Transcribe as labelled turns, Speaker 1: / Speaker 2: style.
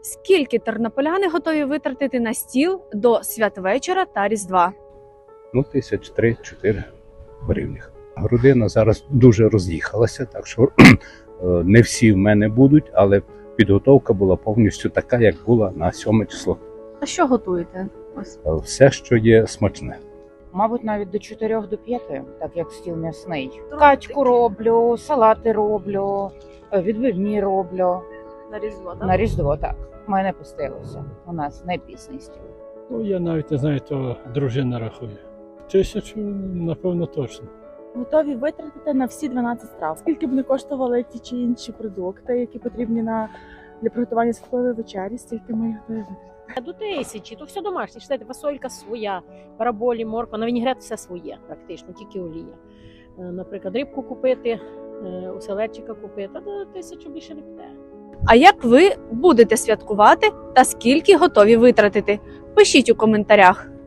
Speaker 1: Скільки тернополяни готові витратити на стіл до святвечора та Різдва?
Speaker 2: Ну, 3-4 гривнях. Родина зараз дуже роз'їхалася, так що не всі в мене будуть, але підготовка була повністю така, як була на 7 число.
Speaker 1: А що готуєте? Ось.
Speaker 2: Все, що є смачне.
Speaker 3: Мабуть, навіть до 4-5, так як стіл м'ясний. Качку роблю, салати роблю, відбивні роблю.
Speaker 1: На Різдво,
Speaker 3: На Різдво, так. Ми не пустилися. У нас не пісний стіл.
Speaker 4: Ну, я навіть не знаю, то дружина рахує. 1000, напевно, точно.
Speaker 5: Готові витратити на всі 12 страв. Скільки б не коштували ті чи інші продукти, які потрібні для приготування святкової вечері, стільки ми їх готові витратити.
Speaker 6: До 1000, то все домашнє. Читайте, фасолька своя, параболі, морква, на вінігрет все своє, практично, тільки олія. Наприклад, рибку купити, оселедчика купити, до 1000 більше не піде.
Speaker 1: А як ви будете святкувати та скільки готові витратити? Пишіть у коментарях.